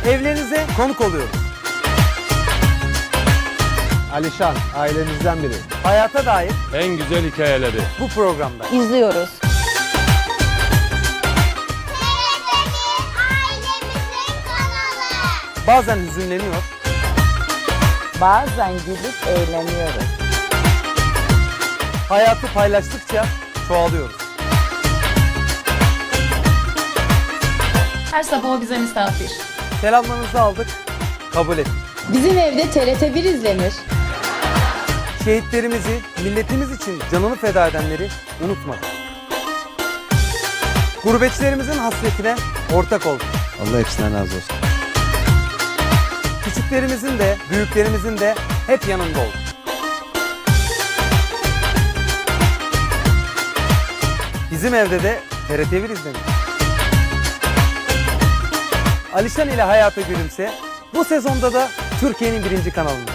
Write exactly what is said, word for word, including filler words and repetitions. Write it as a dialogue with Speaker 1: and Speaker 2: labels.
Speaker 1: evlerinize konuk oluyoruz.
Speaker 2: Alişan, ailemizden biri.
Speaker 1: Hayata dair
Speaker 3: En güzel hikayeleri.
Speaker 1: bu programda.
Speaker 4: İzliyoruz.
Speaker 5: Ailemizin kanalı.
Speaker 1: Bazen hüzünleniyor,
Speaker 4: Bazen gülüp eğleniyoruz.
Speaker 1: hayatı paylaştıkça çoğalıyoruz.
Speaker 6: Her sabah o bize misafir.
Speaker 1: Selamlarınızı aldık, kabul ettik.
Speaker 7: Bizim evde T R T bir izlenir.
Speaker 1: Şehitlerimizi, milletimiz için canını feda edenleri unutmadık. Gurbetçilerimizin hasretine ortak olduk.
Speaker 2: Allah hepsinden razı olsun.
Speaker 1: Küçüklerimizin de, büyüklerimizin de hep yanında olduk. Bizim evde de T R T bir izlenir. Alişan ile Hayata Gülümse bu sezonda da Türkiye'nin birinci kanalında.